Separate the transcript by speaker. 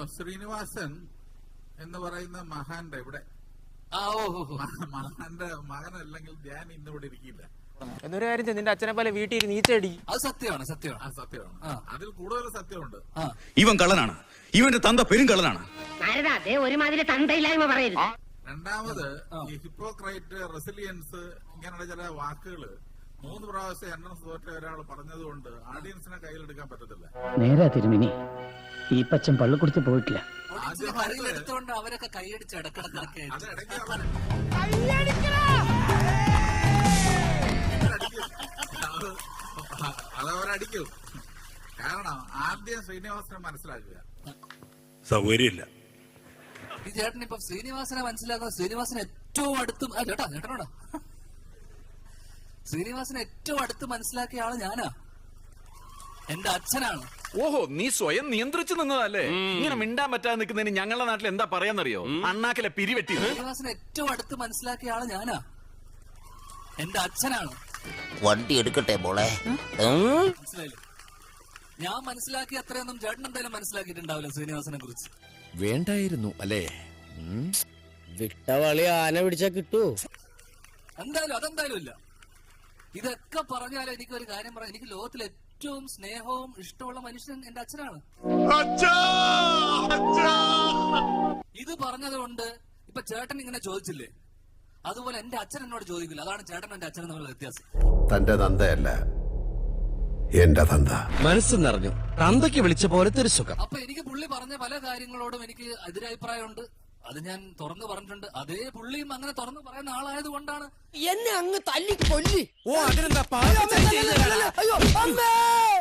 Speaker 1: ശ്രീനിവാസൻ എന്ന് പറയുന്ന മഹാന്റെ ഇവിടെ മഹാന്റെ മകനല്ലെങ്കിൽ ഞാൻ ഇന്നിവിടെ ഇരിക്കില്ല.
Speaker 2: എന്നൊരു കാര്യം നിന്റെ അച്ഛനെ പോലെ വീട്ടിൽ നീച്ചടി.
Speaker 3: അത് സത്യമാണ്.
Speaker 1: സത്യമാണ്. അതിൽ കൂടുതൽ സത്യമുണ്ട്.
Speaker 4: ഇവൻ കള്ളനാണ്. ഇവന്റെ തന്ത പെരുങ്കള്ളനാണ്.
Speaker 5: ഒരുമാതിരി തന്തയില്ലായ്മ പറയരുത്.
Speaker 1: രണ്ടാമത് ഈ ഹിപ്പോക്രൈറ്റ്, റെസിലിയൻസ് ഇങ്ങനെയുള്ള ചില വാക്കുകള് 3 പ്രാവശ്യം എൻട്രൻസ് തോറ്റ ഒരാൾ പറഞ്ഞതുകൊണ്ട് ഓഡിയൻസിനെ കയ്യിലെടുക്കാൻ പറ്റത്തില്ല.
Speaker 5: നേരാ തിരുമിനി, ഈ പച്ചൻ പള്ളിക്കുടിച്ച് പോയിട്ടില്ല.
Speaker 3: എടുത്തോണ്ട് അവരൊക്കെ കൈയടിച്ച് ഇടക്കിടക്കൊക്കെ
Speaker 1: അതവരടിക്കും. കാരണം ആദ്യം ശ്രീനിവാസനെ മനസ്സിലാക്കുക.
Speaker 4: സൗകര്യമില്ല.
Speaker 3: ഈ ചേട്ടൻ ഇപ്പൊ ശ്രീനിവാസനെ മനസ്സിലാക്കുന്ന ശ്രീനിവാസന് ഏറ്റവും അടുത്തും ചേട്ടനോടാ ശ്രീനിവാസനെ ഏറ്റവും അടുത്ത് മനസ്സിലാക്കിയ ആള് ഞാനാ. എന്റെ അച്ഛനാണ്.
Speaker 6: ഓഹോ, നീ സ്വയം നിയന്ത്രിച്ചു നിന്നതല്ലേ? ഇങ്ങനെ മിണ്ടാൻ പറ്റാതെ നിൽക്കുന്നതിന് ഞങ്ങളുടെ നാട്ടിൽ എന്താ പറയാന്നറിയോ? അണ്ണാക്കിലെ പിരിവെട്ടി.
Speaker 3: ശ്രീനിവാസനെ ഏറ്റവും അടുത്ത് മനസ്സിലാക്കിയ ആള് ഞാനാ. എന്റെ അച്ഛനാണ്.
Speaker 7: വണ്ടി എടുക്കട്ടെ മോളെ.
Speaker 3: മനസ്സിലായില്ലേ? ഞാൻ മനസ്സിലാക്കി അത്രയൊന്നും ചേട്ടൻ എന്തായാലും മനസ്സിലാക്കിയിട്ടുണ്ടാവില്ല ശ്രീനിവാസനെ കുറിച്ച്.
Speaker 8: വേണ്ടായിരുന്നു അല്ലേ?
Speaker 5: വിട്ടവളി ആന പിടിച്ചാ കിട്ടൂ.
Speaker 3: അതെന്തായാലും ഇല്ല. ഇതൊക്കെ പറഞ്ഞാലും എനിക്കൊരു കാര്യം പറയാം. എനിക്ക് ലോകത്തിലെ ഏറ്റവും സ്നേഹവും ഇഷ്ടമുള്ള മനുഷ്യൻ എന്റെ അച്ഛനാണ്. ഇത് പറഞ്ഞതുകൊണ്ട് ഇപ്പൊ ചേട്ടൻ ഇങ്ങനെ ചോദിച്ചില്ലേ, അതുപോലെ എന്റെ അച്ഛൻ എന്നോട് ചോദിക്കില്ല. അതാണ് ചേട്ടൻ എന്റെ അച്ഛനും തമ്മിലുള്ള വ്യത്യാസം.
Speaker 9: തന്റെ തന്തയല്ല, എന്റെ തന്ത.
Speaker 8: മനസ്സ് നിറഞ്ഞു. തന്തയ്ക്ക് വിളിച്ച പോലത്തെ ഒരു സുഖം.
Speaker 3: അപ്പൊ എനിക്ക് പുള്ളി പറഞ്ഞ പല കാര്യങ്ങളോടും എനിക്ക് എതിരഭിപ്രായമുണ്ട്. അത് ഞാൻ തുറന്നു പറഞ്ഞിട്ടുണ്ട്. അതേ പുള്ളിയും അങ്ങനെ തുറന്നു പറയുന്ന ആളായത് കൊണ്ടാണ്
Speaker 5: എന്നെ അങ്ങ് തല്ലി കൊല്ലി.
Speaker 8: ഓ, അതിനെന്താ?